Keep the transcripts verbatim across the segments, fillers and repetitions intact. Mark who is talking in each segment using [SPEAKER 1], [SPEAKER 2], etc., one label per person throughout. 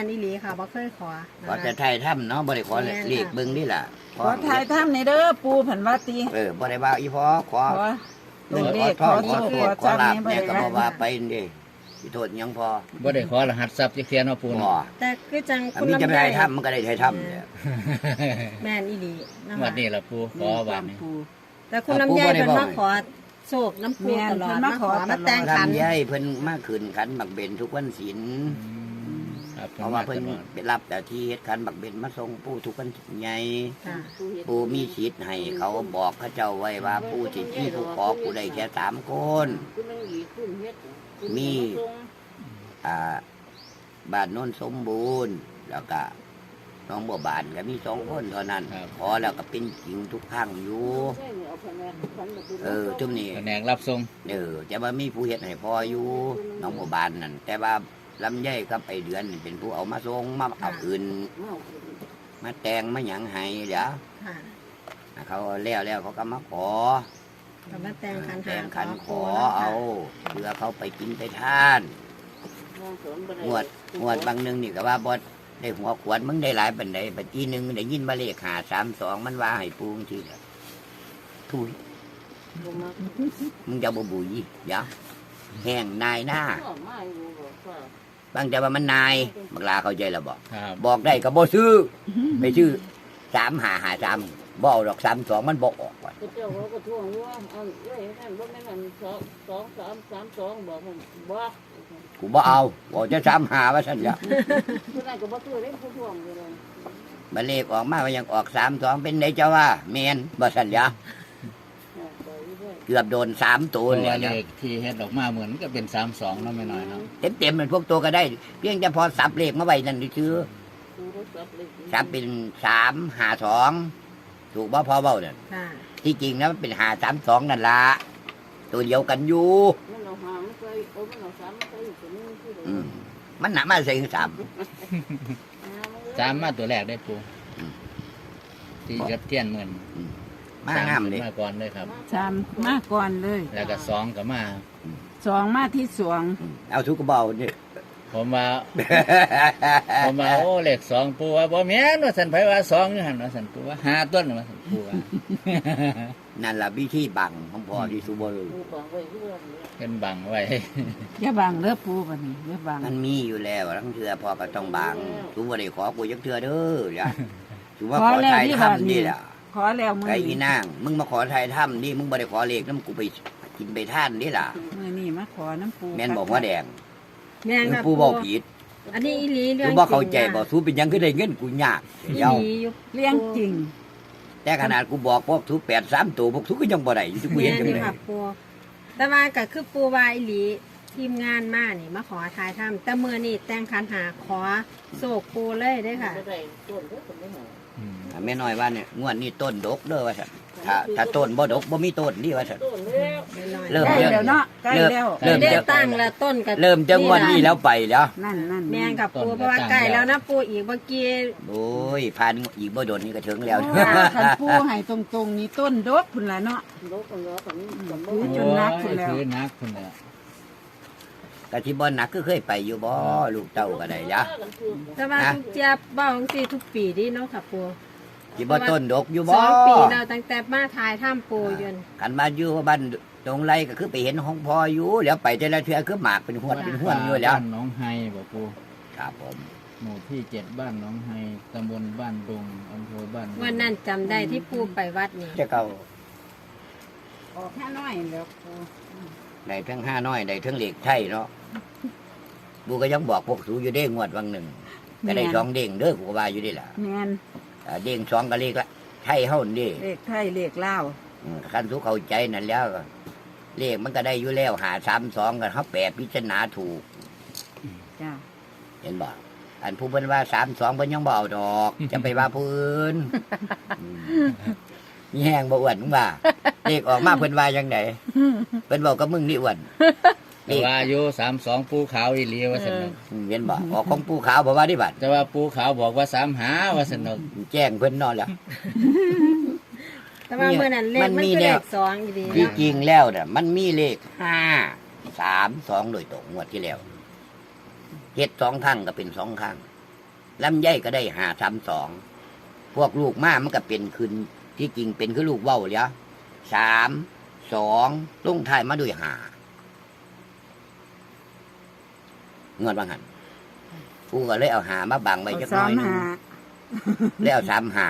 [SPEAKER 1] นอีหลีค่ะบ่เคยขอ
[SPEAKER 2] ขอแต่ไทยถ้ำเนาะบ่ได้ขอเลขเบิ่งนี่ล่ะ
[SPEAKER 3] ขอทายถ้ำในเด้อปูผันว่าตี
[SPEAKER 2] เออบ่ได้ว่าอีพอขอ
[SPEAKER 3] ขอ
[SPEAKER 2] เงิน
[SPEAKER 3] เล
[SPEAKER 2] ขอ
[SPEAKER 3] ข
[SPEAKER 2] ทอง
[SPEAKER 3] ข
[SPEAKER 2] ข
[SPEAKER 3] อ
[SPEAKER 2] อ
[SPEAKER 3] โชค
[SPEAKER 2] โทษขอลาบ
[SPEAKER 3] ขอจำ
[SPEAKER 2] เนี่ยก็
[SPEAKER 3] นี่
[SPEAKER 2] บ่
[SPEAKER 3] บ่ได้
[SPEAKER 2] ว่าไปนี่สิโทษหยังพอ
[SPEAKER 4] บ่ได้ขอรหัสทรัพย์จักเที่ยเนาะปู
[SPEAKER 2] บ่
[SPEAKER 4] เนาะ
[SPEAKER 1] แต่คือจัง
[SPEAKER 2] อัน
[SPEAKER 1] คุณ
[SPEAKER 2] นี้จะ
[SPEAKER 1] ลำ
[SPEAKER 2] ไป
[SPEAKER 1] ไย
[SPEAKER 2] ไทยถ้ำมันก็ได้ไทยถ้ำเนี่ย
[SPEAKER 1] แม่นอีหลีนะ
[SPEAKER 4] วั
[SPEAKER 1] คะ
[SPEAKER 4] นนี้ล่ะปูขอวันนี้
[SPEAKER 3] ปู
[SPEAKER 1] แต่คุณลำไยเพิ่นมาขอโชคน้ำปู
[SPEAKER 3] แม่น
[SPEAKER 1] ตลอด
[SPEAKER 3] เพิ่น
[SPEAKER 1] มา
[SPEAKER 3] มา
[SPEAKER 1] ข
[SPEAKER 3] ข
[SPEAKER 1] อ
[SPEAKER 3] อ
[SPEAKER 1] มาแต่งขัน
[SPEAKER 2] ลำไยเพิ่นมาขึ้นขันบักเบนทุกวันศีล
[SPEAKER 4] ครับ
[SPEAKER 2] เพราะว่าเพิ่นไปรับแต่ที่เฮ็ดขันบักเบนมาส่งปู่ทุกวันใหญ่
[SPEAKER 1] ค่ะ
[SPEAKER 2] ปู่มีสิทธิ์ให้เขาบอกเขาเจ้าไว้ว่าปู่สิที่ผู้ขอปู่ได้แค่สามคนมีอ่าบ้านโน้นสมบูรณ์แล้วก็น้องบัวบานก็มีสองคนเท่านั้นขอแล้วก็เป็นจริงทุกครั้งอยู่เออจุ่มนี่
[SPEAKER 4] แผนกรับส่ง
[SPEAKER 2] เออจะว่ามีผู้เฮ็ดให้พออยู่น้องบัวบานนั่นแต่ว่าลำไยกับไอเดือนนี่เป็นผู้เอามาส่งมาเอาอื่นมาแต่งมาหยังให้เดี๋ยว
[SPEAKER 1] ค่ะ
[SPEAKER 2] เขาแล้วแล้วเขาก็มาขอ
[SPEAKER 1] ก็มาแต่งขัน
[SPEAKER 2] แต่
[SPEAKER 1] หาง
[SPEAKER 2] ขันขอ
[SPEAKER 1] ปูนะคะ
[SPEAKER 2] เอาเพื่อเขาไปกินไปทานงวดงวดบางหนึงนี่ก็ว่าบดได้หัวขวดมึงได้หลายปันใดปันทีหนึ่งได้ยินมาเลขหาสามสองมันว่าให้ปูงทีละทุยมึงจะบ่บุยเดี๋ยวแห้งนายหน้าบางแต่ว่ามันนายบักลาเข้าใจแล้วบอก
[SPEAKER 4] ครับ
[SPEAKER 2] บอกได้ก็บ่ซื้อไปซื้อสามหาหาสามบ่เอาดอกสามสองมันบ่ออกว่ะ
[SPEAKER 5] เจ้าเขาก็ท่วงว่าเอาเอ้ยนั่นบ่แม่นอันสองสองสามสามสองบอกผมบ่
[SPEAKER 2] กูบ่เอาบอกจะสามหาว่าซั่นจ้ะ
[SPEAKER 5] ผู้นั้นก็บ่ซื้อเล่นผู้ท่วงอยู่เลย
[SPEAKER 2] บัดเลขออกมาว่ายังออกสามสองเป็นไดเจ้าว่าแม่นบ่ซั่นจ้ะเกือบโดนสามตัว
[SPEAKER 4] ตัว
[SPEAKER 2] เลย
[SPEAKER 4] เล
[SPEAKER 2] จ้ะ
[SPEAKER 4] ขที่เฮ็ดออกมาเหมือนก็เป็นสามสองเนาะไม่น้อยเนาะ
[SPEAKER 2] เต็มๆมันพวกตัวก็ได้ เพียงแต่พอสับเลขมาไว้นั่นซื่อ
[SPEAKER 5] ผู้รถสับเลย
[SPEAKER 2] สับเป็นสามหาสองถูกบ่พอเว้านั่น
[SPEAKER 1] ค่ะ
[SPEAKER 2] ที่จริงนะมันเป็นหาสามสองนั่นล่ะตัวเดียวกันอยู่
[SPEAKER 5] มันเอาหางใส่เอามันเอาสามใส่อยู่ตัวนึงคือ
[SPEAKER 2] อืมมันหนามาใส่ถึงสาม
[SPEAKER 4] สามมาตัวแรกได้ปู
[SPEAKER 2] อืม
[SPEAKER 4] ที่จับเทียนเหมือน
[SPEAKER 2] มางามเลย
[SPEAKER 4] มาก่อนเลยครับ
[SPEAKER 3] สามมาก่อนเลย
[SPEAKER 4] แล้วก็สองก็มา
[SPEAKER 3] สองมาที่สวง
[SPEAKER 2] เอาทุกกระเบาเนี่ย
[SPEAKER 4] ผมว่า ผมว่าโอ้เลขสองปูว่าบ่แม่นว่าสันไผว่าสองอยู่หั่นว่าสันปูว่าห้าต้นว่าสันปูว่า
[SPEAKER 2] นั่นล่ะวิธีบังของพ่อที่สุบร
[SPEAKER 5] ผู้ฟังไว้คือว่า
[SPEAKER 4] เป็นบังไว้
[SPEAKER 3] อย่าบังเด้อปูบัดนี้อย่าบัง
[SPEAKER 2] มันมีอยู่แล้วทั้งเทือพ่อก็ต้องบังสุบได้ขอกูยักเทือเด้อจ้ะสุว่าขอไทยถ้ำนี่แหละ
[SPEAKER 3] ขอแล้วมื้อ
[SPEAKER 2] ไอ้อี
[SPEAKER 3] นี้
[SPEAKER 2] นางมึงมาขอไทยถ้ำนี่มึงบ่ได้ขอเลขน้ำกูไปกินไปท่านนี่ล่ะ
[SPEAKER 3] มื้อนี้มาขอน้ำปู
[SPEAKER 2] แม่นบอกว่าแดง
[SPEAKER 1] แม่นครับ
[SPEAKER 2] ปูบอกผิด
[SPEAKER 1] อันนี้อีหลีเรื่อ
[SPEAKER 2] กู
[SPEAKER 1] ง
[SPEAKER 2] บอกเข้าใจ
[SPEAKER 1] จริง
[SPEAKER 2] บอกสูเป็นหยังคือได้เงินกูยาก
[SPEAKER 1] อี
[SPEAKER 2] เดี๋ยว
[SPEAKER 1] หลีอยู่
[SPEAKER 3] เลี้ยงจริง
[SPEAKER 2] แต่ขนาดกูบอกพวกทุกแปดสามตัวพวกทุกก็ยังบ่ได้อยู่ที่กู
[SPEAKER 1] แม่
[SPEAKER 2] เห็น
[SPEAKER 1] น
[SPEAKER 2] จัง
[SPEAKER 1] อยู่
[SPEAKER 2] เลย
[SPEAKER 1] ค่ะปูแต่ว่าก็คือปูว่าอีหลีทีมงานมานี่มาขอทายถ้ำแต่เมื่อนี่แต่งขันหาขอโศกปูเลยได้อค่ะ
[SPEAKER 5] บ่ได้ต้นก็ต้นไม่หา
[SPEAKER 4] อืม
[SPEAKER 2] แม่น้อยว่าเนี่ยงวดนี้ต้นดกเด้อว่าซั่นถ้าถ้าต้นบ่ดกบ่มีต้นนี่ว่าซั่น
[SPEAKER 5] ต้นแล้ว
[SPEAKER 2] เริ่ม
[SPEAKER 3] ใกล้แล้วเนาะใกล้แล้ว
[SPEAKER 2] เริ่ม
[SPEAKER 1] ได้
[SPEAKER 2] จะ
[SPEAKER 1] ตั้งแล้วต้นกับ
[SPEAKER 2] เริ่มจะงวดนี้แล้วไปแล้ว
[SPEAKER 3] นั่นนั่น
[SPEAKER 1] แม่งกับปูเพราะว่าใกล้แล้วนะปูอีกเมื่อกี้
[SPEAKER 2] โอ้ยผ่านอีกบ่โดนนี่ก็ถึงแล้ว
[SPEAKER 3] คันปูให้ตรงๆนี่ต้นดกพุ่นล่ะเนาะ
[SPEAKER 5] ดกกันแล้วกันกันบ่
[SPEAKER 3] ถือจนนักพุ่นแล้ว
[SPEAKER 4] ถือนักพุ่นแล้ว
[SPEAKER 2] กะที่บ่หนักก็เคยไปอยู่บ่ลูกเต้าก็ได้ยะ
[SPEAKER 1] แต่ว่าทุกเจี๊ยบเบ้าของสีทุกปีดิเนาะค่ะปู
[SPEAKER 2] ที่บ่ต้นดกอยู่
[SPEAKER 1] ส
[SPEAKER 2] บ่
[SPEAKER 1] องปีเราตั้งแต่มาทายถ้ำปูอยน
[SPEAKER 2] กันมาอยู่บ้านตรงไรก็คือไปเห็นห้องพ่ออยู่แล้วไปแต่ละเทื่อคือหมากเป็นหวดเป็นห้วนอยู่แล้ว
[SPEAKER 4] บ้านหนองไฮบอกปู
[SPEAKER 2] ครับผม
[SPEAKER 4] หมู่ที่เจ็ดบ้านหนองไฮตำบลบ้านดุงอำเภอบ้านดุง
[SPEAKER 1] วันนั้นจำได้ที่ปูไปวัดนี่
[SPEAKER 2] จะเก่า
[SPEAKER 3] ออกแค่น้อยแล้วปู
[SPEAKER 2] ได้ทั้งห้าน้อยได้ทั้งเหล็กไทยเนาะบูก็ยังบอกพวกสูอยู่เด้งวดวังหนึ่งก็ได้สองเด้งเด้อกูก็ว่าอยู่ได้ล่ะ
[SPEAKER 3] แม่น
[SPEAKER 2] อ่าเด้งสองก็เลขละไทยเฮานี่
[SPEAKER 3] เลขไทยเลขลาว
[SPEAKER 2] อืมคันทุกเข้าใจนั่นแล้วก็เลขมันก็ได้อยู่แล้วหาสามสองกันเขาแปลพิจารณาถูก
[SPEAKER 3] จ้า
[SPEAKER 2] เห็นบ่อันผู้เพิ่นว่าสามสองเพิ่นยังบ่เอาดอก จะไปว่าผู้อื่นอืมมีแห้งบ่อ้วนมึงว่าเลขออกมาเพิ่นว่าจังไดเพิ่นบอกกับมึงนี่อ้วน
[SPEAKER 4] แต่ว่าอายุสามสองปูขาวอีหลีว่าสนุก
[SPEAKER 2] อืมเห็นบ่ออกของผู้ขาวบ่ว่าดิบัด
[SPEAKER 4] แต่ว่าปูขาวบอกว่าสามหาว่าสนุก
[SPEAKER 2] แจ้งเพิ่นนอนแล้ว
[SPEAKER 1] แต่ว่าเมื่อนั้นเลข
[SPEAKER 2] มั
[SPEAKER 1] มัน น
[SPEAKER 2] มี
[SPEAKER 1] คือ
[SPEAKER 2] แน
[SPEAKER 1] เล
[SPEAKER 2] ว
[SPEAKER 1] ขสองอยู่ดี
[SPEAKER 2] ที่
[SPEAKER 1] เนาะ
[SPEAKER 2] จริงแล้วน่ะมันมีเลขห้าสามสองโดยตรงงวดที่แล้วเฮ็ดสองครั้งก็เป็นสองครั้งลำไยก็ได้หาสามสองพวกลูกมามันก็เป็นคืนที่จริงเป็นคือลูกเว้าเลยสามสองลงท้ายมาด้วยหาเงินบางหันกูก็เลยเอาหามาบังไว้จักห
[SPEAKER 3] สา
[SPEAKER 2] น้อ
[SPEAKER 3] ม
[SPEAKER 2] ยหนึง
[SPEAKER 3] หา
[SPEAKER 2] แล้วเอาสามหา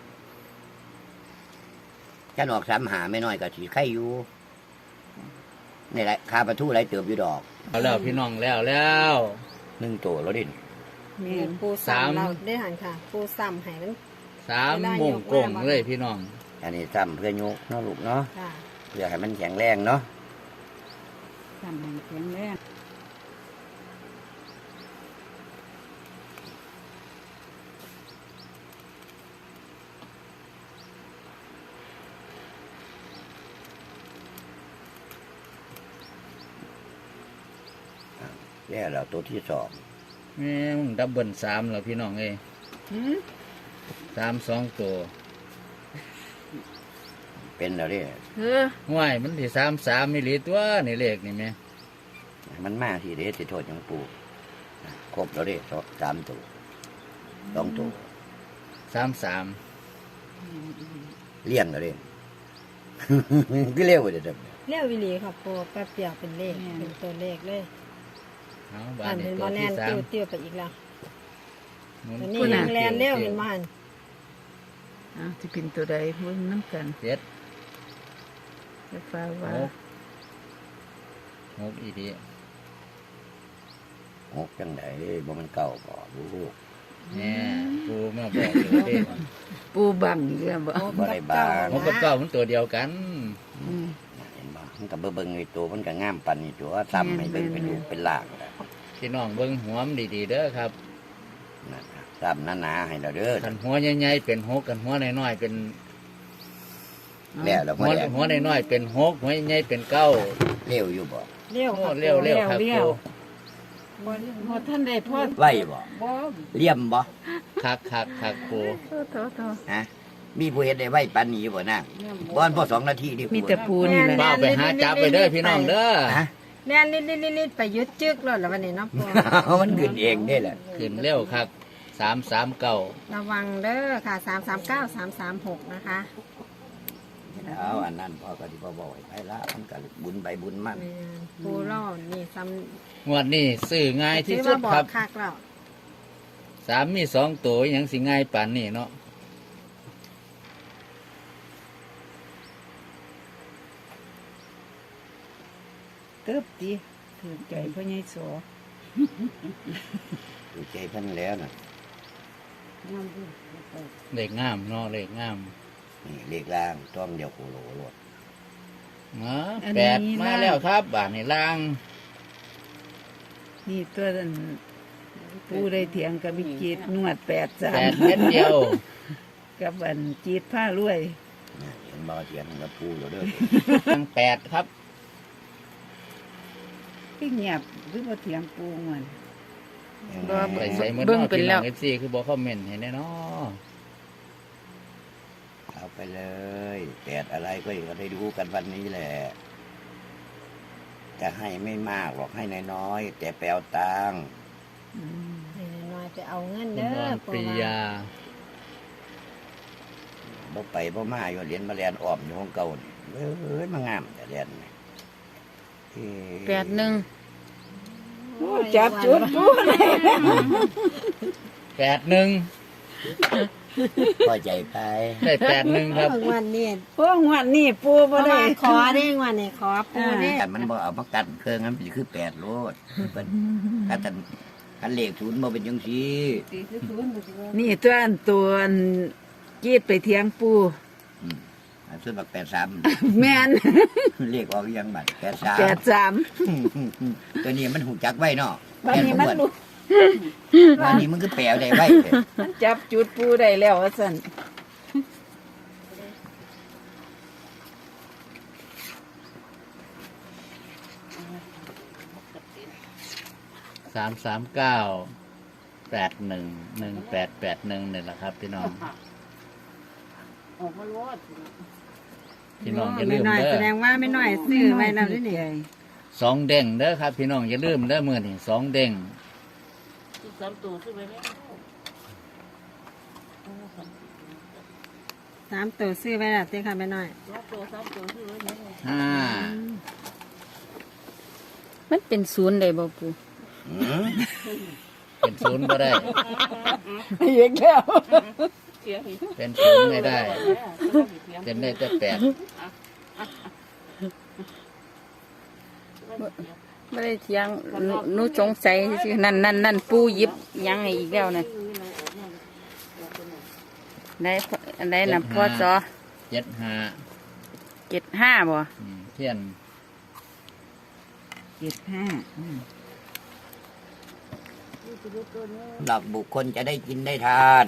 [SPEAKER 2] ฉันออกสามหาไม่น้อยก็สีไข่อยู่นี่แหละคาประตูไรเติบอยู่ดอก
[SPEAKER 4] เอาแล้วพี่น้องแล้วแล้ว
[SPEAKER 2] หนึ่งตัวแล้วดิ
[SPEAKER 1] นี่ปู
[SPEAKER 4] สาม
[SPEAKER 1] ซ้ำเราได้หันค่ะ ปูซ้ำให้มัน
[SPEAKER 4] สามโมงโกงเลยพี่น้อง
[SPEAKER 2] อันนี้ซ้ำเพื่อโยกเนาะลูกเนาะ
[SPEAKER 1] ค่ะ
[SPEAKER 2] เพื่อให้มันแข็งแรงเนาะ
[SPEAKER 3] ทำให้แข็งแรง
[SPEAKER 2] แล้วเราตัวที่สอง
[SPEAKER 4] แม่มึงดับเบิลสามแล้วพี่น้องเอ้ย
[SPEAKER 3] หืม
[SPEAKER 4] สามสองตัว
[SPEAKER 2] เป็นแล้วดิ
[SPEAKER 3] เออ
[SPEAKER 4] ห้วยมันที่สามสามมิลลิตัวนี่เลขนี่แม่
[SPEAKER 2] มันมาที่เดชสิโทษยังปูครบแล้วดิสองสามตัวสองตัว
[SPEAKER 4] สามสาม
[SPEAKER 2] เลี้ยงแล้วดิ ก็เร็วเลยเด้อ
[SPEAKER 1] เรียกวิลีค่ะปูแป๊บเดียวเป็นเลขเป็นตัวเลขเลย
[SPEAKER 4] เอาบ้า
[SPEAKER 1] อั
[SPEAKER 4] น
[SPEAKER 1] น
[SPEAKER 4] นี้
[SPEAKER 1] เป็น
[SPEAKER 4] ตั
[SPEAKER 1] บอ
[SPEAKER 4] ว
[SPEAKER 1] แล
[SPEAKER 4] ที่
[SPEAKER 1] น
[SPEAKER 4] สาม
[SPEAKER 1] ติ้วติ้วไปอีกแล้ว
[SPEAKER 4] หมุ
[SPEAKER 1] อันนี้ยังแลนเร็วเห็นบ้าน
[SPEAKER 3] อ่ะที่เป็นตัวใดเบิ่งน้ำกัน
[SPEAKER 4] เจ็ด
[SPEAKER 3] จะฟ้าว่า
[SPEAKER 4] หกหกอีดี
[SPEAKER 2] หกจังไดบ่มันเก่าบ่ลูก
[SPEAKER 4] เนี่ยปูมาบอกอยู่เด้
[SPEAKER 3] ปูบังเรื่องบ่
[SPEAKER 2] บ่ได้บาง
[SPEAKER 4] หกกับเก้ามันตัวเดียวกัน
[SPEAKER 3] อืม
[SPEAKER 2] เห็นบ่มันก็เบิ่งๆไอ้ตัวมันก็งามปานนี้ตัวซ้ำให้เบิ่งเป็นลูกเป็นหลางแล้ว
[SPEAKER 4] พี่น้องเบิ้งหัวมันดีๆเด้อครับ
[SPEAKER 2] นั่นน่ะซ้ำหนาๆให้เราเด้อ
[SPEAKER 4] กันหัวใหญ่ๆเป็นหกกันหัวน้อยๆเป็น
[SPEAKER 2] แล้วแล้ว
[SPEAKER 4] หั
[SPEAKER 2] บ่
[SPEAKER 4] ว
[SPEAKER 2] ได้
[SPEAKER 4] หัวน้อยๆเป็นหกหัวใหญ่ๆเป็นเก้า
[SPEAKER 2] เร็วอยู่บ่
[SPEAKER 1] เร็ว
[SPEAKER 4] โอ้
[SPEAKER 1] ค่ะ
[SPEAKER 4] เร็วเร็วครับปู
[SPEAKER 3] บ่พอท่านได้พอ
[SPEAKER 2] ไว้บ่
[SPEAKER 3] บ่
[SPEAKER 2] เลี่ยมบ่
[SPEAKER 4] คักคักคักปู
[SPEAKER 3] โทษโทษโทษ
[SPEAKER 2] ฮะมีผู้เฮ็ดได้ไว้ปานนี้บ่นะบ่อนพอสองนาทีนี่
[SPEAKER 3] มีแต่ปูนี่แหละ
[SPEAKER 4] เบ้าไปหาจับไปเด้อพี่น้องเด้อ
[SPEAKER 2] ฮะ
[SPEAKER 1] แน่นนิดนิดนิดไปยึดจึกแล้วแล้ววันนี้เนาะปู
[SPEAKER 2] มันขึ้นเองได้แหละ
[SPEAKER 4] ขึ้นเร็วคักสามสามเก้า
[SPEAKER 1] ระวังเด้อค่ะสามสามเก้าสามสามหกนะคะ
[SPEAKER 2] เอาอันนั้นพ่อก็ที่พ่อบอกให้ไปละมันก็บุญไปบุญมัน
[SPEAKER 1] แม่นปูเล่านี่ซ้
[SPEAKER 4] งวดนี้ซื้อง่าย
[SPEAKER 1] ำ
[SPEAKER 4] ที่
[SPEAKER 1] ที่
[SPEAKER 4] สุ
[SPEAKER 1] ว่า
[SPEAKER 4] ด
[SPEAKER 1] บอ
[SPEAKER 4] ครั
[SPEAKER 1] ก
[SPEAKER 4] บ
[SPEAKER 1] คักแล้ว
[SPEAKER 4] สามมีสองตัวหยังสิง่ายป่านนี้เนาะ
[SPEAKER 3] เติบติถือใจพ่อใหญ่โส
[SPEAKER 2] ดูใจเพิ่นแล้วน่ะ
[SPEAKER 4] เลขงามเนาะเลขงาม
[SPEAKER 2] นี่เลขล่างต้องเดียวโคโลโลด
[SPEAKER 4] อ๋อแปดมาแล้วครับบาทในล่าง
[SPEAKER 3] นี่ตัวนั้นปูได้เถียงกับวิจิตรนวดแปดสา
[SPEAKER 4] แป
[SPEAKER 3] ม
[SPEAKER 4] ดเม็ดเดียว
[SPEAKER 3] กับอันจีดผ้ารวย
[SPEAKER 2] นี่เห็นบ่เถียงกับปูอยู่เด้อ
[SPEAKER 4] ทั้งแปดครับ
[SPEAKER 3] พี่เงียบหรือว่าเถียงปูมัน บ่
[SPEAKER 4] ไปใส่เมื่อ
[SPEAKER 3] เบิ่ง
[SPEAKER 4] นอก
[SPEAKER 3] เป็น
[SPEAKER 4] พี่
[SPEAKER 3] แล้
[SPEAKER 4] น้อ
[SPEAKER 3] ว
[SPEAKER 4] งเอฟซีคือบอกคอมเมนต์ให้แน่เนอ
[SPEAKER 2] เอาไปเลยแปดอะไรก็ก็ได้ดูกันวันนี้แหละ จะให้ไม่มากหรอกให้น้อยๆแต่แปลวตังค์
[SPEAKER 3] อืม
[SPEAKER 1] น้อยๆไปเอาเงิน
[SPEAKER 4] คุณ
[SPEAKER 1] เด้
[SPEAKER 4] น
[SPEAKER 1] อ
[SPEAKER 4] อน
[SPEAKER 1] ปู
[SPEAKER 4] ปริ
[SPEAKER 1] ว่
[SPEAKER 4] ยา
[SPEAKER 2] บ่ไปบ่มาอยู่เหรียญมาแลนอ้อมอยู่ของเก่านี่เอ้ยมางามแต่แลนนี่เอ้ย
[SPEAKER 3] แปดหนึ่งโอ้จับจุดปูเลย
[SPEAKER 4] แปดหนึ่ง
[SPEAKER 2] พอใจไป
[SPEAKER 4] ได้แปดหนึ่งครับ
[SPEAKER 1] วันนี้
[SPEAKER 3] พวกงวดนี่ปู
[SPEAKER 1] เพ
[SPEAKER 3] บ่
[SPEAKER 1] ราะ
[SPEAKER 3] ได้
[SPEAKER 1] ว่าขอได้วันนี้ขอปูได้
[SPEAKER 2] แต่มันบ่เอามากันเครื่องนั้นมันคือแปดโลดเพิ่นถ้าท่านคันเลขศูนย์บ่เป็นจังซี่
[SPEAKER 3] นี่ตัวอันตัวอันจีดไปเถียงปู
[SPEAKER 2] อืมอันส่วนบักแปดสาม
[SPEAKER 3] แม่น
[SPEAKER 2] เลขออกอีหยังบัดแปดสาม
[SPEAKER 3] แปดสาม
[SPEAKER 2] ตัวนี้มันหูจักไว้เนาะ
[SPEAKER 3] วันนี้มันรู้
[SPEAKER 2] วันนี้มันก็แปลได้ไว้เด้
[SPEAKER 3] มันจับจุดปูได้แล้วว่าสั่น
[SPEAKER 4] สามสามเก้าแปดหนึ่งหนึ่งแปดแปดหนึ่งนี่แหละครับ พี่น้อง
[SPEAKER 5] ออกมาลวด
[SPEAKER 4] พี่น้องอย่าลืม
[SPEAKER 1] หน่อย
[SPEAKER 4] เด้
[SPEAKER 1] แส
[SPEAKER 4] อ
[SPEAKER 1] ดงว่าไม่หน่อยซื้อไว้แล้วด้วยนี่
[SPEAKER 4] สองเด้งเด้อครับ พี่น้องอย่าลืมเด้อมือนี่สองเด้ง
[SPEAKER 5] ที่สามตัวขึ้นไปแล้ว
[SPEAKER 1] สามตัวซื้อไว้แล้วเต้ค่ะแม่น้อย
[SPEAKER 5] สองตัวสามตัวที่ไว้เนี่ย
[SPEAKER 4] ห้า
[SPEAKER 3] มันเป็นศูนย์ได้บ่ปู
[SPEAKER 2] อืม
[SPEAKER 4] เป็นศูนย์ก็ได้
[SPEAKER 3] เยกแล้ว
[SPEAKER 5] เสียงอีก
[SPEAKER 4] เป็นศูนย์ไม่ได้ เป็นได้แต่แปด
[SPEAKER 3] ไม่ได้เถียงหนูหนูสงสัยซื่อๆนั่นนั่นนั่นปูหยิบหยังให้อีกแล้วนะได้อันใดน่ะพ่อจอ
[SPEAKER 4] เจ็ดห้า
[SPEAKER 3] เจ็ดห้าบ่
[SPEAKER 4] อืมเทียน
[SPEAKER 3] เจ็ดห้า
[SPEAKER 2] หลักบุคคลจะได้กินได้ทาน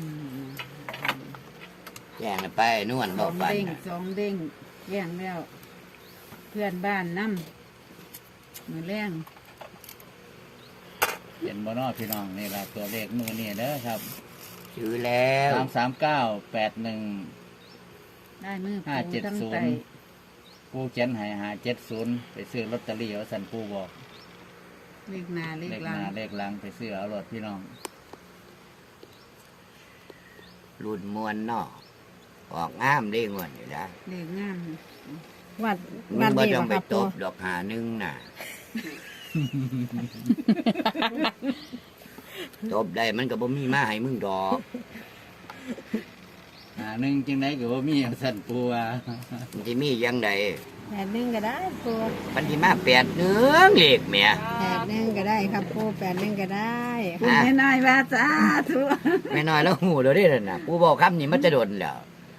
[SPEAKER 2] แย่งไปนวล
[SPEAKER 3] ส
[SPEAKER 2] บอ
[SPEAKER 3] อก ง
[SPEAKER 2] ปัน
[SPEAKER 3] เด้ง
[SPEAKER 2] น่ะ
[SPEAKER 3] สองเด้งแย่งแล้ว เพื่อนบ้านน้ำมือแรง
[SPEAKER 4] เป็นบอนอพี่น้องนี่ละตัวเลขมือนี่เด้อครับ
[SPEAKER 2] ซื้อแล้ว
[SPEAKER 4] สามสามเก้าแปดหนึ่ง
[SPEAKER 3] ได้มือ
[SPEAKER 4] ห้า
[SPEAKER 3] ปู
[SPEAKER 4] เจ็ด
[SPEAKER 3] ทั้ง
[SPEAKER 4] ศูน
[SPEAKER 3] ไต
[SPEAKER 4] ย์ปูเขียนใหายหาเจ็ดศูนย์ไปซื้อลอตเตอรี่เอาสันปูบอก
[SPEAKER 3] เลขหนาเล
[SPEAKER 4] เล
[SPEAKER 3] ข
[SPEAKER 4] ข
[SPEAKER 3] หลั
[SPEAKER 4] ห
[SPEAKER 3] ง
[SPEAKER 4] น้าเลขหลังไปซื้อเอารถพี่น้อง
[SPEAKER 2] รุ่นมวนเนอกออกงามเด้งวนอยู่แล้ว
[SPEAKER 3] เลขงาม
[SPEAKER 1] วัด
[SPEAKER 2] มึ
[SPEAKER 1] วั
[SPEAKER 2] ง
[SPEAKER 1] ด
[SPEAKER 2] บ่
[SPEAKER 1] ดี
[SPEAKER 2] ต้อง
[SPEAKER 1] บ่
[SPEAKER 2] ไป
[SPEAKER 1] ครับ
[SPEAKER 2] ต
[SPEAKER 1] ปู
[SPEAKER 2] บดอกหาหนึงน่ะ ตบได้มันก็บ่มีมาให้มึงดอก
[SPEAKER 4] หาหนึ่งจังไดก็บ่มีเอาสันปูว่า
[SPEAKER 2] มันสิมียังได
[SPEAKER 1] แปดหนึ่งก็ได้ปู
[SPEAKER 2] มันสิมาแปดเนื้อเลขแหม่
[SPEAKER 1] แปดหนึ่งก็ได้ครับปูแปดหนึ่งก็ได้
[SPEAKER 3] ปูไม่น้อยว่าจ้าทุก
[SPEAKER 2] แม่น้อยแล้วหูเราได้แล้วน่ะกูบอกคำนี้มันจะโดนแล้ว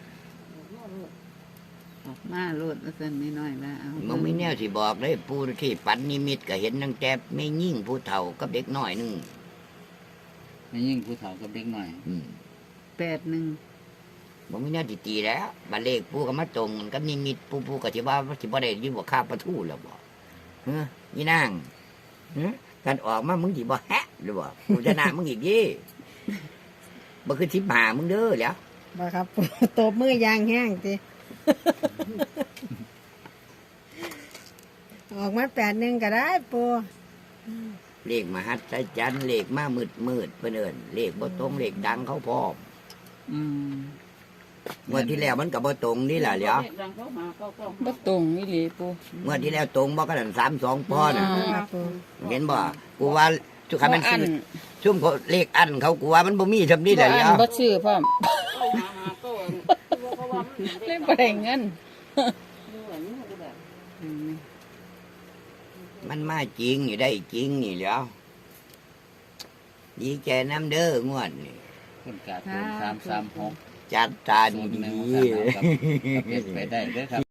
[SPEAKER 3] ออกมาโลดแล้วสันไม่น้อยว่าเอา
[SPEAKER 2] มึงมีแนวสิบอกเลยผู้ที่ปันนิมิตก็เห็นตั้งแต่ไม่ยิ่งผู้เฒ่ากับเด็กน้อยหนึง
[SPEAKER 4] ไม่ยิ่งผู้เฒ่ากับเด็กหน่อย
[SPEAKER 2] อืม
[SPEAKER 3] แปดหนึ่ง
[SPEAKER 2] บ่มีแนวสิตีแล้วบัดเลขผู้ก็มาตรงกันกับนิมิตผู้ผู้ก็สิว่าสิบ่ได้ยินว่าข้าประทูแล้วบ่เฮ้อนี่นางเฮ้อกันออกมามึงสิบ่แฮะหรือบ่กูจะหน้ามึงอีกยี่บ่คือสิบหามึงเด้อแล้ว
[SPEAKER 1] บ่ครับปูตบมือยางแห้งจี ออกมาแปดหนึ่งก็ได้ปู
[SPEAKER 2] เลขมหัศจรรย์เลขมามืดมืดๆเพิ่นเอิ้นเลขบ่ตรงเลขดังเขาพร้อม
[SPEAKER 3] อืม
[SPEAKER 2] งวดที่แล้วมันก็บ่ตรงนี่ล่ะเหลียว
[SPEAKER 5] ดังเขาหาเขาก็
[SPEAKER 3] บ่ตรงนี่เลยปู
[SPEAKER 2] งวดที่แล้วตรงบ่ก็นั่นสามสองพ่อน่ะ
[SPEAKER 1] ครับปู
[SPEAKER 2] เห็นบ่กูว่าทุกคำมัน
[SPEAKER 3] อั
[SPEAKER 2] ซื้
[SPEAKER 3] น
[SPEAKER 2] อซุ่มเขาเลขอันเขากูว่ามันบ่มีซำนี้แหละเหลียว
[SPEAKER 3] บ่ชื่อพร้อม
[SPEAKER 5] เขาหาหาก็เขาว่ามัน
[SPEAKER 3] เลยบ่ได้เงิน
[SPEAKER 5] เหมือนก็แบบ
[SPEAKER 3] อืม
[SPEAKER 2] มันมาจริงอยู่ได้จริงนี่เหลียวดีใจน้ำเด้องวดนี่
[SPEAKER 4] คุณกาตูนสามสามหก
[SPEAKER 2] จัดตา
[SPEAKER 4] ศูนย์หนึ่ง
[SPEAKER 2] ดี
[SPEAKER 4] สามสามกับกับเพชรไปได้เด้อครับ